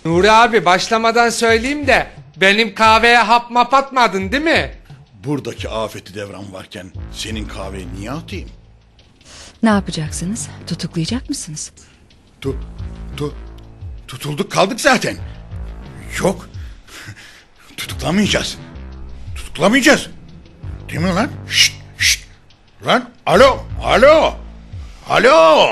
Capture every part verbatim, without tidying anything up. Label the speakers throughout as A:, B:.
A: Nuri abi başlamadan söyleyeyim de benim kahveye hap map atmadın değil mi?
B: Buradaki afeti devran varken senin kahveyi niye atayım?
C: Ne yapacaksınız? Tutuklayacak mısınız?
B: Tu, tu, tutulduk kaldık zaten. Yok. Tutuklamayacağız. Tutuklamayacağız. Değil mi lan? Şşt, şşt. Lan alo, alo. Alo.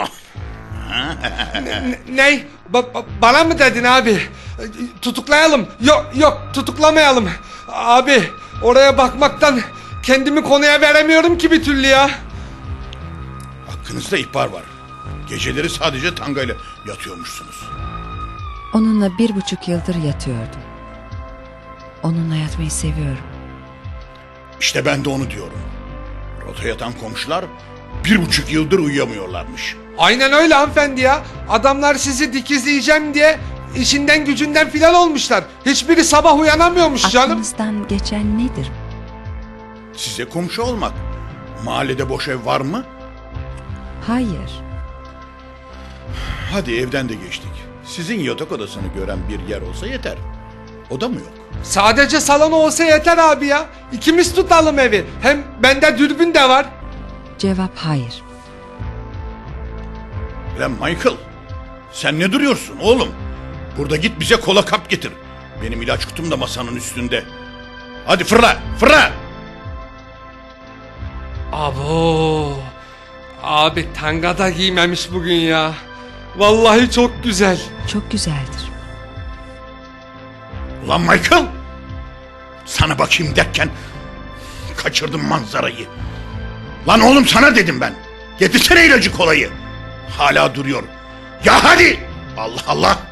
A: Ney? Ba- ba- bana mı dedin abi? Tutuklayalım. Yok yok tutuklamayalım. Abi oraya bakmaktan kendimi konuya veremiyorum ki bir türlü ya.
B: Hakkınızda ihbar var. Geceleri sadece tangayla yatıyormuşsunuz.
C: Onunla bir buçuk yıldır yatıyordum. Onunla yatmayı seviyorum.
B: İşte ben de onu diyorum. Rota yatan komşular bir buçuk yıldır uyuyamıyorlarmış.
A: Aynen öyle hanımefendi ya. Adamlar sizi dikizleyeceğim diye işinden gücünden filan olmuşlar. Hiçbiri sabah uyanamıyormuş canım.
C: Aklınızdan geçen nedir?
B: Size komşu olmak. Mahallede boş ev var mı?
C: Hayır.
B: Hadi evden de geçtik. Sizin yatak odasını gören bir yer olsa yeter. O da mı yok?
A: Sadece salon olsa yeter abi ya. İkimiz tutalım evi. Hem bende dürbün de var.
C: Cevap hayır.
B: Lan Michael, sen ne duruyorsun oğlum? Burada git bize kola kap getir. Benim ilaç kutum da masanın üstünde. Hadi fırla, fırla!
A: Abo. Abi tanga da giymemiş bugün ya. Vallahi çok güzel.
C: Çok güzeldir.
B: Ulan Michael! Sana bakayım derken kaçırdım manzarayı. Lan oğlum sana dedim ben. Getirsene ilacı kolayı. Hala duruyor. Ya hadi! Allah Allah!